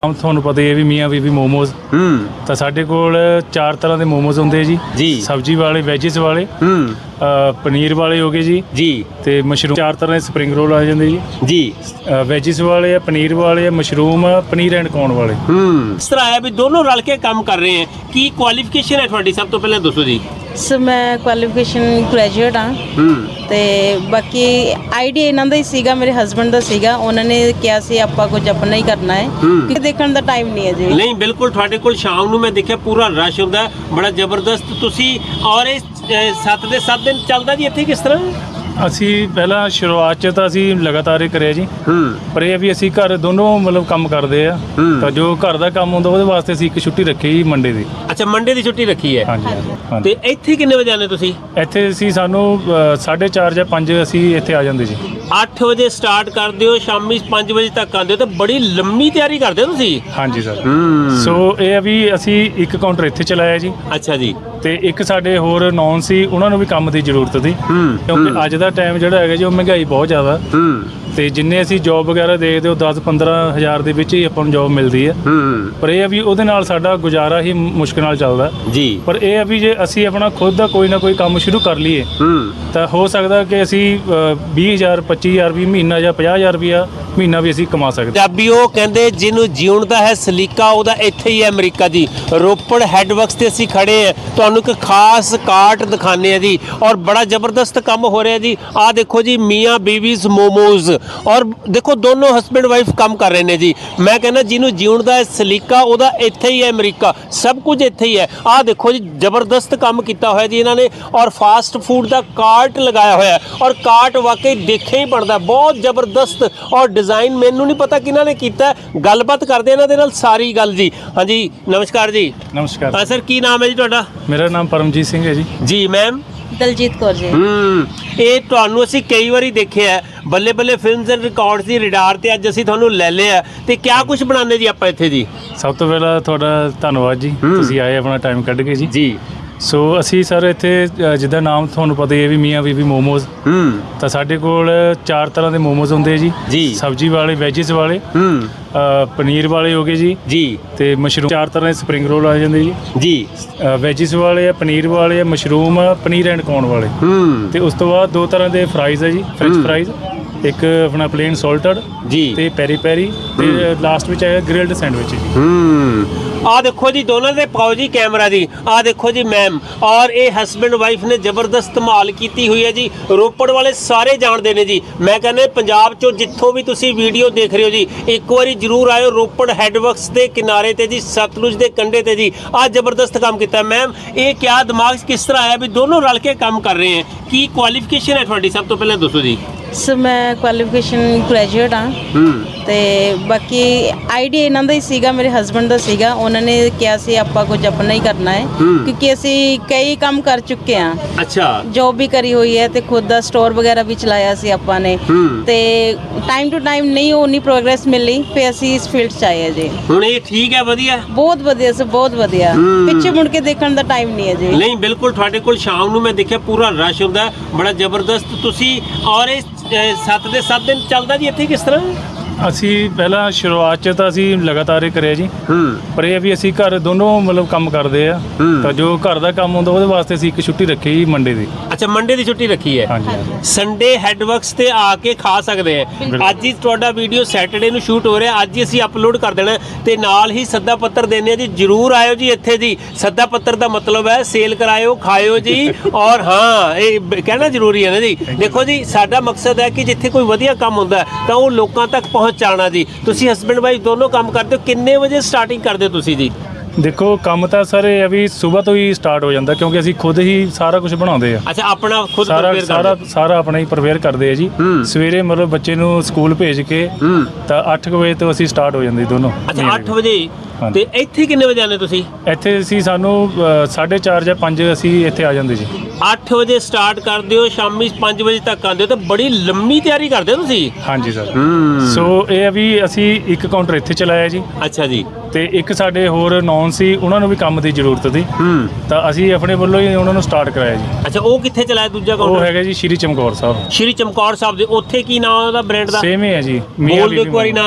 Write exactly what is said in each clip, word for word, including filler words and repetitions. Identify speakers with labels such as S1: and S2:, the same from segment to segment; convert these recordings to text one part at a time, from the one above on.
S1: हम ਤੁਹਾਨੂੰ ਪਤਾ ਹੀ ਹੈ ਵੀ ਮੀਆਂ ਬੀਬੀ ਮੋਮੋਜ਼
S2: ਹੂੰ
S1: ਤਾਂ ਸਾਡੇ ਕੋਲ ਚਾਰ ਤਰ੍ਹਾਂ ਦੇ ਮੋਮੋਜ਼ ਹੁੰਦੇ ਜੀ
S2: ਜੀ
S1: ਸਬਜ਼ੀ ਵਾਲੇ ਵੈਜਿਸ ਵਾਲੇ
S2: ਹੂੰ
S1: ਪਨੀਰ ਵਾਲੇ ਹੋ ਗਏ ਜੀ
S2: ਜੀ
S1: ਤੇ ਮਸ਼ਰੂਮ ਚਾਰ ਤਰ੍ਹਾਂ ਦੇ ਸਪਰਿੰਗ ਰੋਲ ਆ ਜਾਂਦੇ ਜੀ
S2: ਜੀ
S1: ਵੈਜਿਸ ਵਾਲੇ ਆ ਪਨੀਰ ਵਾਲੇ ਆ ਮਸ਼ਰੂਮ ਆ ਪਨੀਰ ਐਂਡ ਕੌਰਨ ਵਾਲੇ
S2: ਹੂੰ ਇਸ ਤਰ੍ਹਾਂ ਆਇਆ ਵੀ ਦੋਨੋਂ ਰਲ ਕੇ ਕੰਮ ਕਰ ਰਹੇ ਹੈ ਕੀ ਕੁਆਲੀਫਿਕੇਸ਼ਨ ਹੈ ਤੁਹਾਡੀ ਸਭ ਤੋਂ ਪਹਿਲਾਂ ਦੱਸੋ ਜੀ
S3: ਸਰ ਮੈਂ ਕੁਆਲੀਫਿਕੇਸ਼ਨ ਗ੍ਰੈਜੂਏਟ ਹਾਂ
S2: ਹੂੰ
S3: ਤੇ ਬਾਕੀ ਆਈਡੀਆ ਇਹਨਾਂ ਦਾ ਹੀ ਸੀਗਾ ਮੇਰੇ ਹਸਬੰਡ ਦਾ ਸੀਗਾ ਉਹਨਾਂ ਨੇ ਕਿਹਾ ਸੀ ਆਪਾਂ ਕੁਝ ਆਪਣਾ ਹੀ ਕਰਨਾ ਹੈ ਕਿ ਦੇਖਣ ਦਾ ਟਾਈਮ ਨਹੀਂ ਹੈ ਜੀ
S2: ਨਹੀਂ ਬਿਲਕੁਲ ਤੁਹਾਡੇ ਕੋਲ ਸ਼ਾਮ ਨੂੰ ਮੈਂ ਦੇਖਿਆ ਪੂਰਾ ਰਸ਼ ਹੁੰਦਾ ਬੜਾ ਜ਼ਬਰਦਸਤ ਤੁਸੀਂ ਔਰ ਇਹ ਸੱਤ ਦੇ ਸੱਤ ਦਿਨ ਚੱਲਦਾ ਜੀ ਇੱਥੇ ਕਿਸ ਤਰ੍ਹਾਂ
S1: ਅਸੀਂ ਪਹਿਲਾਂ ਸ਼ੁਰੂਆਤ 'ਚ ਤਾਂ ਅਸੀਂ ਲਗਾਤਾਰ ਹੀ ਕਰਿਆ ਜੀ
S2: ਹੂੰ
S1: ਪਰ ਇਹ ਵੀ ਅਸੀਂ ਘਰ ਦੋਨੋਂ ਮਤਲਬ ਕੰਮ ਕਰਦੇ ਆ ਤਾਂ ਜੋ ਘਰ ਦਾ ਕੰਮ ਹੁੰਦਾ ਉਹਦੇ ਵਾਸਤੇ ਅਸੀਂ ਇੱਕ ਛੁੱਟੀ ਰੱਖੀ ਜੀ ਮੰਡੇ ਦੀ
S2: ਅੱਛਾ ਮੰਡੇ ਦੀ ਛੁੱਟੀ ਰੱਖੀ ਹੈ
S1: ਹਾਂਜੀ ਹਾਂਜੀ
S2: ਤੇ ਇੱਥੇ ਕਿੰਨੇ ਵਜੇ ਆਨੇ ਤੁਸੀਂ
S1: ਇੱਥੇ ਅਸੀਂ ਸਾਨੂੰ ਸਾਢੇ ਚਾਰ ਜਾਂ ਪੰਜ ਅਸੀਂ ਇੱਥੇ ਆ ਜਾਂਦੇ ਜੀ
S2: ਅੱਠ ਵਜੇ ਸਟਾਰਟ ਕਰਦੇ ਹੋ ਸ਼ਾਮੀ ਪੰਜ ਵਜੇ ਤੱਕ ਆਉਂਦੇ ਹੋ ਤਾਂ ਬੜੀ ਲੰਮੀ ਤਿਆਰੀ ਕਰਦੇ ਹੋ ਤੁਸੀਂ
S1: ਹਾਂਜੀ ਸਰ ਸੋ ਇਹ ਆ ਵੀ ਅਸੀਂ ਇੱਕ ਕਾਊਂਟਰ ਇੱਥੇ ਚਲਾਇਆ ਜੀ
S2: ਅੱਛਾ ਜੀ
S1: ਤੇ ਇੱਕ ਸਾਡੇ ਹੋਰ ਨੌਨ ਸੀ ਉਹਨਾਂ ਨੂੰ ਵੀ ਕੰਮ ਦੀ ਜ਼ਰੂਰਤ ਸੀ ਕਿਉਂਕਿ ਅੱਜ ਦਾ ਟਾਈਮ ਜਿਹੜਾ ਹੈਗਾ ਜੀ ਉਹ ਮਹਿੰਗਾਈ ਬਹੁਤ ਜ਼ਿਆਦਾ ਤੇ ਜਿੰਨੇ ਅਸੀਂ ਜੌਬ ਵਗੈਰਾ ਦੇਖਦੇ ਹੋ ਦਸ ਪੰਦਰਾਂ ਹਜ਼ਾਰ ਦੇ ਵਿੱਚ ਹੀ ਆਪਾਂ ਨੂੰ ਜੌਬ ਮਿਲਦੀ ਹੈ ਪਰ ਇਹ ਆ ਵੀ ਉਹਦੇ ਨਾਲ ਸਾਡਾ ਗੁਜ਼ਾਰਾ ਹੀ ਮੁਸ਼ਕਿਲ ਨਾਲ ਚੱਲਦਾ
S2: ਜੀ
S1: ਪਰ ਇਹ ਆ ਵੀ ਜੇ ਅਸੀਂ ਆਪਣਾ ਖੁਦ ਦਾ ਕੋਈ ਨਾ ਕੋਈ ਕੰਮ ਸ਼ੁਰੂ ਕਰ ਲਈਏ ਤਾਂ ਹੋ ਸਕਦਾ ਕਿ ਅਸੀਂ ਵੀਹ ਹਜ਼ਾਰ ਪੱਚੀ ਹਜ਼ਾਰ ਵੀ ਮਹੀਨਾ ਜਾਂ ਪੰਜਾਹ ਹਜ਼ਾਰ ਰੁਪਇਆ ਮਹੀਨਾ ਵੀ ਅਸੀਂ ਕਮਾ ਸਕਦੇ
S2: ਪੰਜਾਬੀ ਉਹ ਕਹਿੰਦੇ ਜਿਹਨੂੰ ਜਿਉਣ ਦਾ ਹੈ ਸਲੀਕਾ ਉਹਦਾ ਇੱਥੇ ਹੀ ਹੈ ਅਮਰੀਕਾ ਜੀ ਰੋਪੜ ਹੈਡਵਰਕਸ ਤੇ ਅਸੀਂ ਖੜੇ ਆ ਤੁਹਾਨੂੰ ਇੱਕ ਖਾਸ ਕਾਰਟ ਦਿਖਾਣੇ ਆ ਜੀ ਔਰ ਬੜਾ ਜ਼ਬਰਦਸਤ ਕੰਮ ਹੋ ਰਿਹਾ ਜੀ ਆਹ ਦੇਖੋ ਜੀ ਮੀਆਂ ਬੀਵੀਜ਼ ਮੋਮੋਜ਼ ਔਰ ਦੇਖੋ ਦੋਨੋਂ ਹਸਬੈਂਡ ਵਾਈਫ ਕੰਮ ਕਰ ਰਹੇ ਨੇ ਜੀ ਮੈਂ ਕਹਿੰਦਾ ਜਿਹਨੂੰ ਜਿਉਣ ਦਾ ਹੈ ਸਲੀਕਾ ਉਹਦਾ ਇੱਥੇ ਹੀ ਹੈ ਅਮਰੀਕਾ ਸਭ ਕੁਝ ਇੱਥੇ ਹੀ ਹੈ ਆਹ ਦੇਖੋ ਜੀ ਜ਼ਬਰਦਸਤ ਕੰਮ ਕੀਤਾ ਹੋਇਆ ਜੀ ਇਹਨਾਂ ਨੇ ਔਰ ਫਾਸਟ ਫੂਡ ਦਾ ਕਾਰਟ ਲਗਾਇਆ ਹੋਇਆ ਔਰ ਕਾਰਟ ਵਾਕਈ ਦੇਖੇ ਹੀ ਬਣਦਾ ਬਹੁਤ ਜ਼ਬਰਦਸਤ ਔਰ ਡਿਜ਼ਾਈਨ ਮੈਨੂੰ ਨਹੀਂ ਪਤਾ ਕਿਹਨਾਂ ਨੇ ਕੀਤਾ ਗੱਲਬਾਤ ਕਰਦੇ ਇਹਨਾਂ ਦੇ ਨਾਲ ਸਾਰੀ ਗੱਲ ਜੀ ਹਾਂਜੀ ਨਮਸਕਾਰ ਜੀ
S1: ਨਮਸਕਾਰ
S2: ਹਾਂ ਸਰ ਕੀ ਨਾਮ ਹੈ ਜੀ ਤੁਹਾਡਾ
S1: ਮੇਰਾ ਨਾਮ ਪਰਮਜੀਤ ਸਿੰਘ ਹੈ ਜੀ
S2: ਜੀ ਮੈਮ
S3: ਦਲਜੀਤ ਕੌਰ ਜੀ
S2: ਹੂੰ ਇਹ ਤੁਹਾਨੂੰ ਅਸੀਂ ਕਈ ਵਾਰੀ ਦੇਖਿਆ Balle Balle films and records ਦੀ ਰਿਡਾਰ ਤੇ ਅੱਜ ਅਸੀਂ ਤੁਹਾਨੂੰ ਲੈ ਲਿਆ ਤੇ ਕਿਆ ਕੁਝ ਬਣਾਉਂਦੇ ਜੀ ਆਪਾਂ ਇੱਥੇ ਜੀ
S1: ਸਭ ਤੋਂ ਪਹਿਲਾਂ ਤੁਹਾਡਾ ਧੰਨਵਾਦ ਜੀ ਤੁਸੀਂ ਆਏ ਆਪਣਾ ਟਾਈਮ ਕੱਢ ਕੇ ਜੀ
S2: ਜੀ
S1: ਸੋ ਅਸੀਂ ਸਰ ਇੱਥੇ ਜਿੱਦਾਂ ਨਾਮ ਤੁਹਾਨੂੰ ਪਤਾ ਹੀ ਹੈ ਵੀ ਮੀਆਂ ਬੀਬੀ ਮੋਮੋਜ਼
S2: ਹੂੰ
S1: ਤਾਂ ਸਾਡੇ ਕੋਲ ਚਾਰ ਤਰ੍ਹਾਂ ਦੇ ਮੋਮੋਜ਼ ਹੁੰਦੇ ਜੀ
S2: ਜੀ
S1: ਸਬਜ਼ੀ ਵਾਲੇ ਵੈਜਿਸ ਵਾਲੇ
S2: ਹੂੰ
S1: ਪਨੀਰ ਵਾਲੇ ਹੋ ਗਏ ਜੀ
S2: ਜੀ
S1: ਤੇ ਮਸ਼ਰੂਮ ਚਾਰ ਤਰ੍ਹਾਂ ਦੇ ਸਪਰਿੰਗ ਰੋਲ ਆ ਜਾਂਦੇ ਜੀ
S2: ਜੀ
S1: ਵੈਜਿਸ ਵਾਲੇ ਆ ਪਨੀਰ ਵਾਲੇ ਆ ਮਸ਼ਰੂਮ ਆ ਪਨੀਰ ਐਂਡ ਕੌਰਨ ਵਾਲੇ
S2: ਹੂੰ
S1: ਤੇ ਉਸ ਤੋਂ ਬਾਅਦ ਦੋ ਤਰ੍ਹਾਂ ਦੇ ਫਰਾਈਜ਼ ਆ ਜੀ ਫ੍ਰੈਂਚ ਫਰਾਈਜ਼ ਇੱਕ ਆਪਣਾ ਪਲੇਨ ਸੌਲਟਡ
S2: ਜੀ
S1: ਤੇ ਪੈਰੀ ਪੈਰੀ ਤੇ ਲਾਸਟ ਵਿੱਚ ਆਇਆ ਗ੍ਰਿਲਡ ਸੈਂਡਵਿਚ ਜੀ
S2: ਹੂੰ ਆ ਦੇਖੋ ਜੀ ਦੋਨਾਂ ਦੇ ਪਾਓ ਜੀ ਕੈਮਰਾ ਜੀ ਆ ਦੇਖੋ ਜੀ ਮੈਮ ਔਰ ਇਹ ਹਸਬੈਂਡ ਵਾਈਫ ਨੇ ਜ਼ਬਰਦਸਤ ਮਾਲ ਕੀਤੀ ਹੋਈ ਹੈ ਜੀ ਰੋਪੜ ਵਾਲੇ ਸਾਰੇ ਜਾਣਦੇ ਨੇ ਜੀ ਮੈਂ ਕਹਿੰਦਾ ਪੰਜਾਬ ਚੋਂ ਜਿੱਥੋਂ ਵੀ ਤੁਸੀਂ ਵੀਡੀਓ ਦੇਖ ਰਹੇ ਹੋ ਜੀ ਇੱਕ ਵਾਰੀ ਜ਼ਰੂਰ ਆਇਓ ਰੋਪੜ ਹੈਡਵਰਕਸ ਦੇ ਕਿਨਾਰੇ ਤੇ ਜੀ ਸਤਲੁਜ ਦੇ ਕੰਢੇ ਤੇ ਜੀ ਆ ਜ਼ਬਰਦਸਤ ਕੰਮ ਕੀਤਾ ਮੈਮ ਇਹ ਕਿਆ ਦਿਮਾਗ 'ਚ ਕਿਸ ਤਰ੍ਹਾਂ ਆਇਆ ਵੀ ਦੋਨੋਂ ਰਲ ਕੇ ਕੰਮ ਕਰ ਰਹੇ ਹੈ ਕੀ ਕੁਆਲੀਫਿਕੇਸ਼ਨ ਹੈ ਤੁਹਾਡੀ ਸਭ ਤੋਂ ਪਹਿਲਾਂ ਦੱਸੋ ਜੀ
S3: ਸਰ ਮੈਂ ਕੁਆਲੀਫਿਕੇਸ਼ਨ ਗ੍ਰੈਜੂਏਟ ਹਾਂ ਤੇ ਬਾਕੀ ਆਈਡੀਆ ਇਹਨਾਂ ਦਾ ਹੀ ਸੀਗਾ ਮੇਰੇ ਹਸਬੰਡ ਦਾ ਸੀਗਾ ਉਹਨਾਂ ਨੇ ਕਿਹਾ ਸੀ ਆਪਾਂ ਕੁਝ ਆਪਣਾ ਹੀ ਕਰਨਾ ਹੈ ਕਿਉਂਕਿ ਅਸੀਂ ਕਈ ਕੰਮ ਕਰ ਚੁੱਕੇ ਹਾਂ
S2: ਅੱਛਾ
S3: ਜੌਬ ਵੀ ਕਰੀ ਹੋਈ ਹੈ ਤੇ ਖੁਦ ਦਾ ਸਟੋਰ ਵਗੈਰਾ ਵੀ ਚਲਾਇਆ ਸੀ ਆਪਾਂ ਨੇ ਤੇ ਟਾਈਮ ਟੂ ਟਾਈਮ ਨਹੀਂ ਉਨੀ ਪ੍ਰੋਗਰੈਸ ਮਿਲੀ ਫਿਰ ਅਸੀਂ ਇਸ ਫੀਲਡ 'ਚ ਆਏ ਹਾਂ ਜੀ
S2: ਹੁਣ ਇਹ ਠੀਕ ਹੈ ਵਧੀਆ
S3: ਬਹੁਤ ਵਧੀਆ ਸਰ ਬਹੁਤ ਵਧੀਆ ਪਿੱਛੇ ਮੁੜ ਕੇ ਦੇਖਣ ਦਾ ਟਾਈਮ ਨਹੀਂ ਹੈ ਜੀ
S2: ਨਹੀਂ ਬਿਲਕੁਲ ਤੁਹਾਡੇ ਕੋਲ ਸ਼ਾਮ ਨੂੰ ਮੈਂ ਦੇਖਿਆ ਪੂਰਾ ਰਸ਼ ਹੁੰਦਾ ਬੜਾ ਜ਼ਬਰਦਸਤ ਤੁਸੀਂ ਔਰ ਇਹ ਸੱਤ ਦੇ ਸੱਤ ਦਿਨ ਚੱਲਦਾ ਜੀ ਇੱਥੇ ਕਿਸ ਤਰ੍ਹਾਂ
S1: ਅਸੀਂ ਪਹਿਲਾਂ ਸ਼ੁਰੂਆਤ 'ਚ ਤਾਂ ਅਸੀਂ ਲਗਾਤਾਰ ਹੀ ਕਰਿਆ ਜੀ ਪਰ ਇਹ ਵੀ ਅਸੀਂ ਘਰ ਦੋਨੋਂ ਮਤਲਬ ਕੰਮ ਕਰਦੇ ਆ ਤਾਂ ਜੋ ਘਰ ਦਾ ਕੰਮ ਹੁੰਦਾ ਉਹਦੇ ਵਾਸਤੇ ਅਸੀਂ ਇੱਕ ਛੁੱਟੀ ਰੱਖੀ ਜੀ ਮੰਡੇ ਦੀ
S2: ਅੱਛਾ ਮੰਡੇ ਦੀ ਛੁੱਟੀ ਰੱਖੀ ਹੈ
S1: ਹਾਂਜੀ
S2: ਸੰਡੇ ਹੈਡਵਰਕਸ ਤੇ ਆ ਕੇ ਖਾ ਸਕਦੇ ਆ ਅੱਜ ਹੀ ਤੁਹਾਡਾ ਵੀਡੀਓ ਸੈਟਰਡੇ ਨੂੰ ਸ਼ੂਟ ਹੋ ਰਿਹਾ ਅੱਜ ਹੀ ਅਸੀਂ ਅਪਲੋਡ ਕਰ ਦੇਣਾ ਤੇ ਨਾਲ ਹੀ ਸੱਦਾ ਪੱਤਰ ਦੇਣੇ ਆ ਜੀ ਜਰੂਰ ਆਇਓ ਜੀ ਇੱਥੇ ਜੀ ਸੱਦਾ ਪੱਤਰ ਦਾ ਮਤਲਬ ਹੈ ਸੇਲ ਕਰਾਇਓ ਖਾਇਓ ਜੀ ਔਰ ਹਾਂ ਇਹ ਕਹਿਣਾ ਜ਼ਰੂਰੀ ਹੈ ਨਾ ਜੀ ਦੇਖੋ ਜੀ ਸਾਡਾ ਮਕਸਦ ਹੈ ਕਿ ਜਿੱਥੇ ਕੋਈ ਵਧੀਆ ਕੰਮ ਹੁੰਦਾ ਤਾਂ ਉਹ ਲੋਕਾਂ ਤੱਕ ਪਹੁੰਚਾਉਣਾ ਜੀ ਤੁਸੀਂ ਹਸਬੈਂਡ ਵਾਈਫ ਦੋਨੋਂ ਕੰਮ ਕਰਦੇ ਹੋ ਕਿੰਨੇ ਵਜੇ ਸਟਾਰਟਿੰਗ ਕਰਦੇ ਹੋ ਤੁਸੀਂ ਜੀ
S1: ਦੇਖੋ ਕੰਮ ਤਾਂ ਸਰ ਇਹ ਵੀ ਸਵੇਰ ਤੋਂ ਹੀ ਸਟਾਰਟ ਹੋ ਜਾਂਦਾ ਕਿਉਂਕਿ ਅਸੀਂ ਖੁਦ ਹੀ ਸਾਰਾ ਕੁਝ ਬਣਾਉਂਦੇ ਆ
S2: ਅੱਛਾ ਆਪਣਾ ਖੁਦ
S1: ਸਾਰਾ ਸਾਰਾ ਸਾਰਾ ਆਪਣਾ ਹੀ ਪ੍ਰਪੇਅਰ ਕਰਦੇ ਆ ਜੀ ਸਵੇਰੇ ਮਤਲਬ ਬੱਚੇ ਨੂੰ ਸਕੂਲ ਭੇਜ ਕੇ ਤਾਂ ਅੱਠ ਵਜੇ ਤੋਂ ਅਸੀਂ ਸਟਾਰਟ ਹੋ ਜਾਂਦੇ ਦੋਨੋਂ
S2: ਅੱਛਾ ਅੱਠ ਵਜੇ ਤੇ ਇੱਥੇ ਕਿੰਨੇ ਵਜੇ ਆਨੇ ਤੁਸੀਂ
S1: ਇੱਥੇ ਅਸੀਂ ਸਾਨੂੰ ਸਾਢੇ ਚਾਰ ਜਾਂ ਪੰਜ ਅਸੀਂ ਇੱਥੇ ਆ ਜਾਂਦੇ ਜੀ
S2: ਅੱਠ ਵਜੇ ਸਟਾਰਟ ਕਰਦੇ ਹੋ ਸ਼ਾਮੀ ਪੰਜ ਵਜੇ ਤੱਕ ਆਉਂਦੇ ਹੋ ਤਾਂ ਬੜੀ ਲੰਮੀ ਤਿਆਰੀ ਕਰਦੇ ਹੋ ਤੁਸੀਂ
S1: ਹਾਂਜੀ ਸਰ ਸੋ ਇਹ ਆ ਵੀ ਅਸੀਂ ਇੱਕ ਕਾਊਂਟਰ ਇੱਥੇ ਚਲਾਇਆ ਜੀ
S2: ਅੱਛਾ ਜੀ
S1: ਤੇ ਇੱਕ ਸਾਡੇ ਹੋਰ ਨੌਨ ਸੀ ਉਹਨਾਂ ਨੂੰ ਵੀ ਕੰਮ ਦੀ ਜ਼ਰੂਰਤ ਸੀ ਤਾਂ ਅਸੀਂ ਆਪਣੇ ਵੱਲੋਂ ਹੀ ਉਹਨਾਂ ਨੂੰ ਸਟਾਰਟ ਕਰਾਇਆ ਜੀ
S2: ਅੱਛਾ ਉਹ ਕਿੱਥੇ ਚਲਾਇਆ ਦੂਜਾ ਕਾਊਂਟਰ
S1: ਉਹ ਹੈਗਾ ਜੀ ਸ਼੍ਰੀ ਚਮਕੌਰ ਸਾਹਿਬ
S2: ਸ਼੍ਰੀ ਚਮਕੌਰ ਸਾਹਿਬ ਦੇ ਉੱਥੇ ਕੀ ਨਾਮ ਉਹਦਾ ਬ੍ਰਾਂਡ ਦਾ
S1: ਸੇਮ ਹੀ ਹੈ ਜੀ
S2: ਬੋਲ ਦਿਓ ਇੱਕ ਵਾਰੀ ਨਾਮ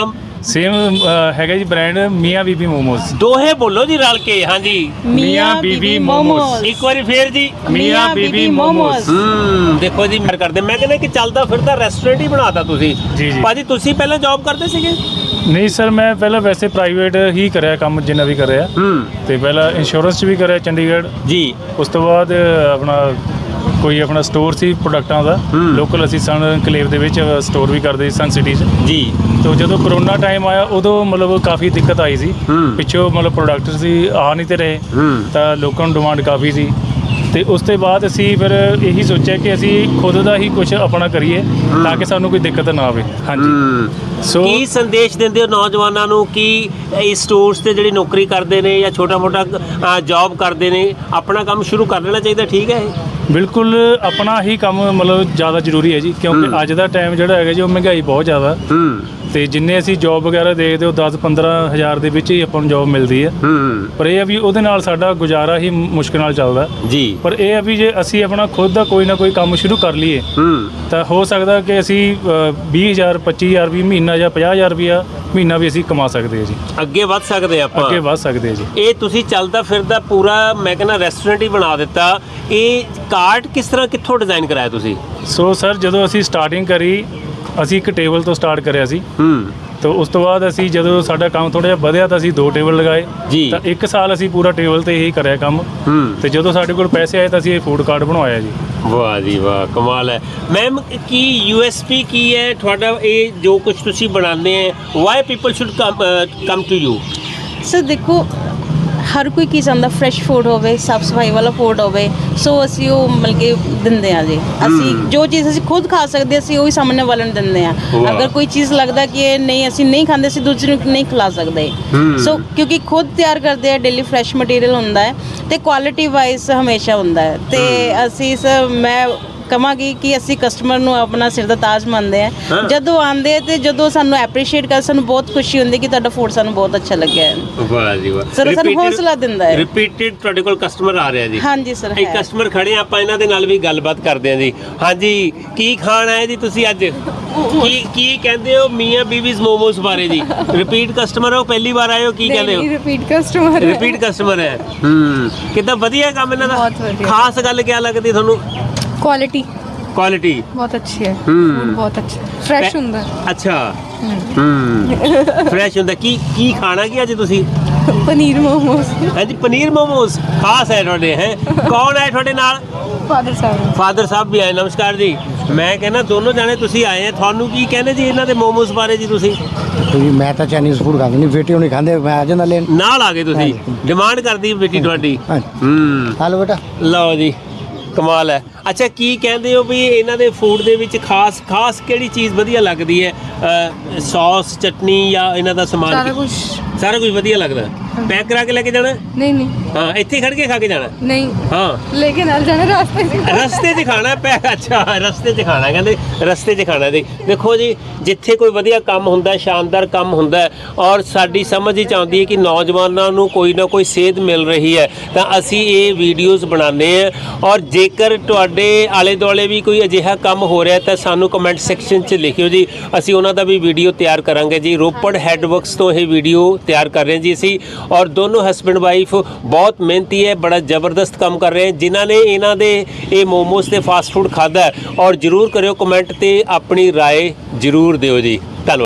S1: ਸੇਮ ਹੈਗਾ ਜੀ ਬ੍ਰਾਂਡ ਮੀਆਂ ਬੀਬੀ ਮੋਮੋਸ।
S2: ਦੋਹੇ ਬੋਲੋ ਜੀ ਰਲ ਕੇ। ਹਾਂਜੀ
S1: ਮੀਆਂ ਬੀਬੀ ਮੋਮੋਸ।
S2: ਇੱਕ ਵਾਰੀ ਫੇਰ ਜੀ
S1: ਮੀਆਂ ਬੀਬੀ ਮੋਮੋਸ।
S2: ਹੂੰ ਦੇਖੋ ਜੀ ਮੈਂ ਕਰਦੇ ਮੈਂ ਕਹਿੰਦਾ ਕਿ ਚੱਲਦਾ ਫਿਰਦਾ ਰੈਸਟੋਰੈਂਟ ਹੀ ਬਣਾਤਾ ਤੁਸੀਂ।
S1: ਜੀ ਜੀ
S2: ਭਾਜੀ ਤੁਸੀਂ ਪਹਿਲਾਂ ਜੌਬ ਕਰਦੇ ਸੀਗੇ?
S1: ਨਹੀਂ ਸਰ, ਮੈਂ ਪਹਿਲਾਂ ਵੈਸੇ ਪ੍ਰਾਈਵੇਟ ਹੀ ਕਰਿਆ ਕੰਮ ਜਿੰਨਾ ਵੀ ਕਰਿਆ।
S2: ਹੂੰ
S1: ਤੇ ਪਹਿਲਾਂ ਇੰਸ਼ੋਰੈਂਸ 'ਚ ਵੀ ਕਰਿਆ ਚੰਡੀਗੜ੍ਹ।
S2: ਜੀ
S1: ਉਸ ਤੋਂ ਬਾਅਦ ਆਪਣਾ ਕੋਈ ਆਪਣਾ ਸਟੋਰ ਸੀ ਪ੍ਰੋਡਕਟਾਂ ਦਾ ਲੋਕਲ, ਅਸੀਂ ਸਨ ਐਨਕਲੇਵ ਦੇ ਵਿੱਚ ਸਟੋਰ ਵੀ ਕਰਦੇ ਸੀ ਸਨ ਸਿਟੀ 'ਚ।
S2: ਜੀ
S1: ਤੋ ਜਦੋਂ ਕਰੋਨਾ ਟਾਈਮ ਆਇਆ ਉਦੋਂ ਮਤਲਬ ਕਾਫੀ ਦਿੱਕਤ ਆਈ ਸੀ, ਪਿੱਛੋਂ ਮਤਲਬ ਪ੍ਰੋਡਕਟ ਸੀ ਆ ਨਹੀਂ ਤੇ ਰਹੇ, ਤਾਂ ਲੋਕਾਂ ਨੂੰ ਡਿਮਾਂਡ ਕਾਫੀ ਸੀ। ਤੇ ਉਸ ਤੋਂ ਬਾਅਦ ਅਸੀਂ ਫਿਰ ਇਹੀ ਸੋਚਿਆ ਕਿ ਅਸੀਂ ਖੁਦ ਦਾ ਹੀ ਕੁਝ ਆਪਣਾ ਕਰੀਏ ਤਾਂ ਕਿ ਸਾਨੂੰ ਕੋਈ ਦਿੱਕਤ ਨਾ ਆਵੇ। ਹਾਂਜੀ ਸੋ
S2: ਕੀ ਸੰਦੇਸ਼ ਦਿੰਦੇ ਹੋ ਨੌਜਵਾਨਾਂ ਨੂੰ ਕਿ ਇਹ ਸਟੋਰਸ ਤੇ ਜਿਹੜੀ ਨੌਕਰੀ ਕਰਦੇ ਨੇ ਜਾਂ ਛੋਟਾ ਮੋਟਾ ਜੌਬ ਕਰਦੇ ਨੇ ਆਪਣਾ ਕੰਮ ਸ਼ੁਰੂ ਕਰ ਲੈਣਾ ਚਾਹੀਦਾ? ਠੀਕ ਹੈ ਇਹ
S1: ਬਿਲਕੁਲ ਆਪਣਾ ਹੀ ਕੰਮ ਮਤਲਬ ਜ਼ਿਆਦਾ ਜ਼ਰੂਰੀ ਹੈ ਜੀ, ਕਿਉਂਕਿ ਅੱਜ ਦਾ ਟਾਈਮ ਜਿਹੜਾ ਹੈਗਾ ਜੀ ਉਹ ਮਹਿੰਗਾਈ ਬਹੁਤ ਜ਼ਿਆਦਾ। ਤੇ ਜਿੰਨੇ ਅਸੀਂ ਜੌਬ ਵਗੈਰਾ ਦੇਖਦੇ ਉਹ ਦਸ ਪੰਦਰਾਂ ਹਜ਼ਾਰ ਦੇ ਵਿੱਚ ਹੀ ਆਪਾਂ ਨੂੰ ਜੌਬ ਮਿਲਦੀ ਹੈ। ਪਰ ਇਹ ਆ ਵੀ ਉਹਦੇ ਨਾਲ ਸਾਡਾ ਗੁਜ਼ਾਰਾ ਹੀ ਮੁਸ਼ਕਿਲ ਨਾਲ ਚੱਲਦਾ
S2: ਜੀ।
S1: ਪਰ ਇਹ ਆ ਵੀ ਜੇ ਅਸੀਂ ਆਪਣਾ ਖੁਦ ਦਾ ਕੋਈ ਨਾ ਕੋਈ ਕੰਮ ਸ਼ੁਰੂ ਕਰ ਲਈਏ ਤਾਂ ਹੋ ਸਕਦਾ ਕਿ ਅਸੀਂ ਵੀਹ ਹਜ਼ਾਰ ਪੱਚੀ ਹਜ਼ਾਰ ਵੀ ਮਹੀਨਾ ਜਾਂ ਪੰਜਾਹ ਹਜ਼ਾਰ ਰੁਪਇਆ ਮਹੀਨਾ ਵੀ ਅਸੀਂ ਕਮਾ ਸਕਦੇ ਹਾਂ ਜੀ,
S2: ਅੱਗੇ ਵੱਧ ਸਕਦੇ ਆਪਾਂ,
S1: ਅੱਗੇ ਵੱਧ ਸਕਦੇ ਹਾਂ ਜੀ।
S2: ਇਹ ਤੁਸੀਂ ਚੱਲਦਾ ਫਿਰਦਾ ਪੂਰਾ ਮੈਂ ਕਹਿੰਦਾ ਰੈਸਟੋਰੈਂਟ ਹੀ ਬਣਾ ਦਿੱਤਾ। ਇਹ ਕਾਰਟ ਕਿਸ ਤਰ੍ਹਾਂ ਕਿੱਥੋਂ ਡਿਜ਼ਾਈਨ ਕਰਾਇਆ ਤੁਸੀਂ?
S1: ਸੋ ਸਰ ਜਦੋਂ ਅਸੀਂ ਸਟਾਰਟਿੰਗ ਕਰੀ ਅਸੀਂ ਇੱਕ ਟੇਬਲ ਤੋਂ ਸਟਾਰਟ ਕਰਿਆ ਸੀ।
S2: ਹੂੰ
S1: ਤਾਂ ਉਸ ਤੋਂ ਬਾਅਦ ਅਸੀਂ ਜਦੋਂ ਸਾਡਾ ਕੰਮ ਥੋੜਾ ਜਿਹਾ ਵਧਿਆ ਤਾਂ ਅਸੀਂ ਦੋ ਟੇਬਲ ਲਗਾਏ
S2: ਜੀ।
S1: ਤਾਂ ਇੱਕ ਸਾਲ ਅਸੀਂ ਪੂਰਾ ਟੇਬਲ ਤੇ ਹੀ ਕਰਿਆ ਕੰਮ।
S2: ਹੂੰ
S1: ਤੇ ਜਦੋਂ ਸਾਡੇ ਕੋਲ ਪੈਸੇ ਆਏ ਤਾਂ ਅਸੀਂ ਇਹ ਫੂਡ ਕਾਰਟ ਬਣਵਾਇਆ ਜੀ।
S2: ਵਾਹ ਜੀ ਵਾਹ, ਕਮਾਲ ਹੈ। ਮੈਮ ਕੀ ਯੂ ਐਸ ਪੀ ਕੀ ਹੈ ਤੁਹਾਡਾ ਇਹ ਜੋ ਕੁਝ ਤੁਸੀਂ ਬਣਾਉਂਦੇ ਹੈ? Why people should come to you?
S3: Sir ਦੇਖੋ ਹਰ ਕੋਈ ਕੀ ਚਾਹੁੰਦਾ ਫਰੈਸ਼ ਫੂਡ ਹੋਵੇ, ਸਾਫ ਸਫਾਈ ਵਾਲਾ ਫੂਡ ਹੋਵੇ, ਸੋ ਅਸੀਂ ਉਹ ਮਤਲਬ ਕਿ ਦਿੰਦੇ ਆ ਜੀ। ਅਸੀਂ ਜੋ ਚੀਜ਼ ਅਸੀਂ ਖੁਦ ਖਾ ਸਕਦੇ ਅਸੀਂ ਉਹੀ ਸਾਹਮਣੇ ਵਾਲੇ ਨੂੰ ਦਿੰਦੇ ਆ। ਅਗਰ ਕੋਈ ਚੀਜ਼ ਲੱਗਦਾ ਕਿ ਇਹ ਨਹੀਂ ਅਸੀਂ ਨਹੀਂ ਖਾਂਦੇ ਅਸੀਂ ਦੂਜੇ ਨੂੰ ਨਹੀਂ ਖਿਲਾ ਸਕਦੇ। ਸੋ ਕਿਉਂਕਿ ਖੁਦ ਤਿਆਰ ਕਰਦੇ ਆ, ਡੇਲੀ ਫਰੈਸ਼ ਮਟੀਰੀਅਲ ਹੁੰਦਾ ਹੈ ਤੇ ਕੁਆਲਿਟੀ ਵਾਈਜ਼ ਹਮੇਸ਼ਾ ਹੁੰਦਾ ਹੈ। ਤੇ ਅਸੀਂ ਸਰ ਮੈਂ ਕਹਾਂਗੀ ਕਿ ਅਸੀਂ ਕਸਟਮਰ ਨੂੰ ਆਪਣਾ ਸਿਰ ਦਾ ਤਾਜ ਮੰਨਦੇ ਆ। ਜਦੋਂ ਆਉਂਦੇ ਤੇ ਜਦੋਂ ਸਾਨੂੰ ਐਪਰੀਸ਼ੀਏਟ ਕਰ ਸਾਨੂੰ ਬਹੁਤ ਖੁਸ਼ੀ ਹੁੰਦੀ ਕਿ ਤੁਹਾਡਾ ਫੂਡ ਸਾਨੂੰ ਬਹੁਤ ਅੱਛਾ ਲੱਗਿਆ ਹੈ।
S2: ਵਾਹ ਜੀ ਵਾਹ,
S3: ਸਰ ਸਾਨੂੰ ਹੌਸਲਾ ਦਿੰਦਾ ਹੈ।
S2: ਰਿਪੀਟਡ ਤੁਹਾਡੇ ਕੋਲ ਕਸਟਮਰ ਆ ਰਿਹਾ ਜੀ?
S3: ਹਾਂਜੀ ਸਰ,
S2: ਇੱਕ ਕਸਟਮਰ ਖੜੇ ਆਪਾਂ ਇਹਨਾਂ ਦੇ ਨਾਲ ਵੀ ਗੱਲਬਾਤ ਕਰਦੇ ਹਾਂ ਜੀ। ਹਾਂਜੀ ਕੀ ਖਾਣਾ ਹੈ ਜੀ ਤੁਸੀਂ ਅੱਜ? ਕੀ ਕੀ ਕਹਿੰਦੇ ਹੋ ਮੀਆਂ ਬੀਬੀਜ਼ ਮੋਮੋਸ ਬਾਰੇ ਜੀ? ਰਿਪੀਟ ਕਸਟਮਰ ਹੋ, ਪਹਿਲੀ ਵਾਰ ਆਏ ਹੋ? ਕੀ ਕਹਿੰਦੇ ਹੋ?
S4: ਰਿਪੀਟ ਕਸਟਮਰ ਹੈ।
S2: ਰਿਪੀਟ ਕਸਟਮਰ ਹੈ। ਹੂੰ ਕਿੱਦਾਂ ਵਧੀਆ ਕੰਮ ਇਹਨਾਂ ਦਾ?
S4: ਬਹੁਤ ਵਧੀਆ।
S2: ਖਾਸ ਗੱਲ ਕੀ ਲੱਗਦੀ ਤੁਹਾਨੂੰ?
S4: क्वालिटी
S2: क्वालिटी
S4: बहुत अच्छी है,
S2: हम्म।
S4: फूड बहुत अच्छा है, फ्रेश ਹੁੰਦਾ ਹੈ।
S2: ਅੱਛਾ ਹੂੰ ਫਰੈਸ਼ ਹੁੰਦਾ। ਕੀ ਕੀ ਖਾਣਾ ਕੀ ਅੱਜ ਤੁਸੀਂ?
S4: ਪਨੀਰ ਮੋਮੋਸ।
S2: ਹਾਂਜੀ ਪਨੀਰ ਮੋਮੋਸ ਖਾਸ ਹੈ ਤੁਹਾਡੇ। ਹੈ ਕੌਣ ਹੈ ਤੁਹਾਡੇ ਨਾਲ?
S4: ਫਾਦਰ ਸਾਹਿਬ।
S2: ਫਾਦਰ ਸਾਹਿਬ ਵੀ ਆਏ। ਨਮਸਕਾਰ ਜੀ। ਮੈਂ ਕਹਿੰਦਾ ਦੋਨੋਂ ਜਾਣੇ ਤੁਸੀਂ ਆਏ ਆ, ਤੁਹਾਨੂੰ ਕੀ ਕਹਿੰਦੇ ਜੀ ਇਹਨਾਂ ਦੇ ਮੋਮੋਸ ਬਾਰੇ ਜੀ ਤੁਸੀਂ?
S5: ਜੀ ਮੈਂ ਤਾਂ ਚਾਈਨੀਜ਼ ਫੂਡ ਖਾਂਦਾ ਨਹੀਂ, ਬੇਟੀ ਹੁਣੀ ਖਾਂਦੇ, ਮੈਂ ਆ ਜਾਂਦਾ ਲੈਣ।
S2: ਨਾਲ ਆ ਗਏ ਤੁਸੀਂ, ਡਿਮਾਂਡ ਕਰਦੀ ਬੇਟੀ ਤੁਹਾਡੀ। ਹੂੰ
S5: ਹਲੋ ਬੇਟਾ
S2: ਲਓ ਜੀ ਕਮਾਲ ਹੈ। ਅੱਛਾ ਕੀ ਕਹਿੰਦੇ ਹੋ ਵੀ ਇਹਨਾਂ ਦੇ ਫੂਡ ਦੇ ਵਿੱਚ ਖਾਸ ਖਾਸ ਕਿਹੜੀ ਚੀਜ਼ ਵਧੀਆ ਲੱਗਦੀ ਹੈ? ਸੌਸ ਚਟਨੀ ਜਾਂ ਇਹਨਾਂ ਦਾ ਸਮਾਨ?
S4: ਸਾਰਾ ਕੁਝ
S2: ਸਾਰਾ ਕੁਝ ਵਧੀਆ ਲੱਗਦਾ। ਪੈਕ ਕਰਾ ਕੇ ਲੈ ਕੇ ਜਾਣਾ?
S4: ਨਹੀਂ ਨਹੀਂ
S2: ਹਾਂ ਇੱਥੇ ਖੜ ਕੇ ਖਾ ਕੇ ਜਾਣਾ?
S4: ਨਹੀਂ
S2: ਹਾਂ
S4: लेके ਨਾਲ ਜਾਣਾ ਰਾਸਤੇ 'ਚ।
S2: ਰਸਤੇ 'ਚ ਖਾਣਾ ਪੈਕ? ਅੱਛਾ ਰਸਤੇ 'ਚ ਖਾਣਾ, ਕਹਿੰਦੇ ਰਸਤੇ 'ਚ ਖਾਣਾ। ਦੇ ਦੇਖੋ ਜੀ ਜਿੱਥੇ ਕੋਈ ਵਧੀਆ ਕੰਮ ਹੁੰਦਾ, ਸ਼ਾਨਦਾਰ ਕੰਮ ਹੁੰਦਾ ਔਰ ਸਾਡੀ ਸਮਝ ਹੀ ਆਉਂਦੀ ਹੈ ਕਿ ਨੌਜਵਾਨਾਂ ਨੂੰ ਕੋਈ ਨਾ ਕੋਈ ਸੇਧ ਮਿਲ ਰਹੀ ਹੈ ਤਾਂ ਅਸੀਂ ਇਹ ਵੀਡੀਓਜ਼ ਬਣਾਉਂਦੇ ਹਾਂ। ਔਰ ਜੇਕਰ ਤੁਹਾਡੇ ਆਲੇ ਦੁਆਲੇ ਵੀ ਕੋਈ ਅਜਿਹਾ ਕੰਮ ਹੋ ਰਿਹਾ ਤਾਂ ਸਾਨੂੰ ਕਮੈਂਟ ਸੈਕਸ਼ਨ 'ਚ ਲਿਖਿਓ ਜੀ, ਅਸੀਂ ਉਹਨਾਂ ਦਾ ਵੀ ਵੀਡੀਓ ਤਿਆਰ ਕਰਾਂਗੇ ਜੀ। ਰੋਪੜ ਹੈਡਵਰਕਸ ਤੋਂ ਇਹ ਵੀਡੀਓ ਤਿਆਰ ਕਰ ਰਹੇ ਹਾਂ ਜੀ ਅਸੀਂ। ਔਰ ਦੋਨੋਂ ਹਸਬੈਂਡ ਵਾਈਫ ਬਹੁਤ ਮਿਹਨਤੀ ਹੈ, ਬੜਾ ਜ਼ਬਰਦਸਤ ਕੰਮ ਕਰ ਰਹੇ ਹਨ। ਜਿਨ੍ਹਾਂ ਨੇ ਇਹਨਾਂ ਦੇ ਇਹ ਮੋਮੋਸ ਤੇ ਫਾਸਟ ਫੂਡ ਖਾਧਾ ਔਰ ਜ਼ਰੂਰ ਕਰਿਓ ਕਮੈਂਟ ਤੇ ਆਪਣੀ ਰਾਏ ਜ਼ਰੂਰ ਦਿਓ ਜੀ। ਧੰਨਵਾਦ।